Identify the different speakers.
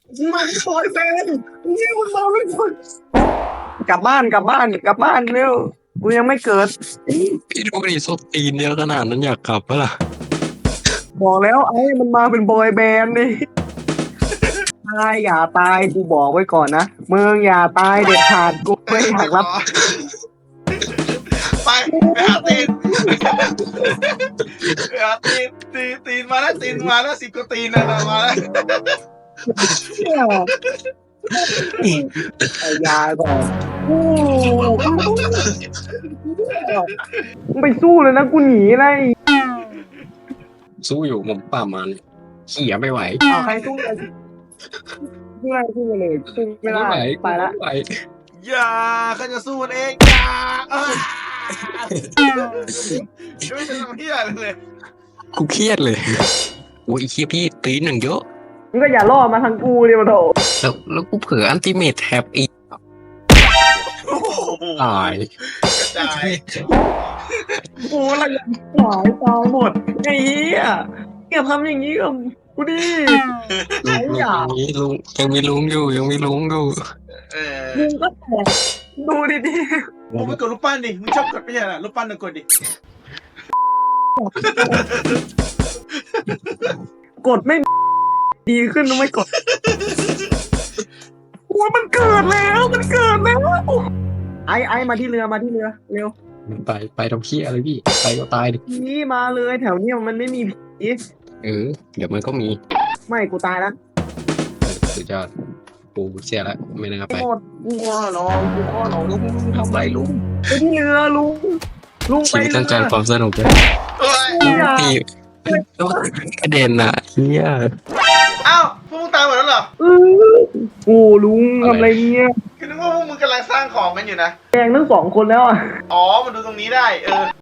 Speaker 1: มันบอยแบนด์นี่มันมาไม่คนกลับบ้านกลับบ้านกลับบ้านเร็วกูยังไม่เกิด
Speaker 2: พี่ดูดิส้นตีนเยอะขนาดนั้นอยากกลับปะล่ะ
Speaker 1: บอกแล้วไอ้มันมาเป็นบอยแบนด์นี่ตายอย่าตายกูบอกไว้ก่อนนะมึงอย่าตายเด็ดขาดกูไม่อยากรับ
Speaker 3: ไปหาตีนไปหาตีนตีนมาแล้วตีนมาแล้ว10 กว่าตีนนะมาแล้ว
Speaker 1: ไอ้ยาก่อนมึงไปสู้เลยนะกูหนีเลย
Speaker 2: สู้อยู่ผมป่ามันเขี่ยไม่ไหว
Speaker 1: เอาใครสู้เลยสู้เลยสู้ไม่ได้
Speaker 2: ไหว
Speaker 1: ไปละ
Speaker 2: ไม่ไหว
Speaker 3: อย่าเขาจะสู้มันเองอย่าไม่ทำเหี้ยเลย
Speaker 2: กูเครียดเลยโอ้ยไอ้เคียพี่ตีนอย่างเยอะ
Speaker 1: มึงก็อย่าล่อมาทางกูเลยมาโถ
Speaker 2: แล้วกูเผลออันติเมทแท็บอีก
Speaker 3: โอ้โห
Speaker 2: ตาย
Speaker 3: กระจาย
Speaker 1: โอ้ละยังหายตายหมดไอ้เหี้ยอย่าทำอย่างนี้กับกูดิ
Speaker 2: ลุงยังมีลุงอยู่ยังมีลุงอยู่
Speaker 1: มึงก็แตกดูดิ
Speaker 3: มึงไม่กดรูปปั้นดิมึงชอบกดไม่ใช่เหรอรูปปั้นน่ะกดดิ
Speaker 1: กดไม่ดีขึ้นทำไมกดโอ้ยมันเกิดแล้วไอ้มาที่เรือเร็ว
Speaker 2: ไปทำเคี้ยอะไรพี่ไปก็ตายดิ
Speaker 1: นี่มาเลยแถวเนี้ยมันไม่มีผี
Speaker 2: เดี๋ยวมันก็มี
Speaker 1: ไม่กูตายแล้ว
Speaker 2: สุดยอดกูเสียละไม่น่าไป
Speaker 1: โคตรกูขอร้องลุงทำไรลุงไปที่เรือลุงไป
Speaker 2: ชีวิต
Speaker 1: เรื
Speaker 2: ต้องการความสนุกเลย
Speaker 3: เฮ้ย
Speaker 2: พี่กระเด็นอ่ะเฮีย
Speaker 3: อ้าวพวกมึงตายหมดแล้วเหรอ
Speaker 1: โอ้ลุงทำอะไรเนี่ย
Speaker 3: คือนึกว่าพวกมึงกำลังสร้างของกันอยู่นะ
Speaker 1: แดงทั้งสองคนแล้วอ่ะ
Speaker 3: อ๋อมันดูตรงนี้ได้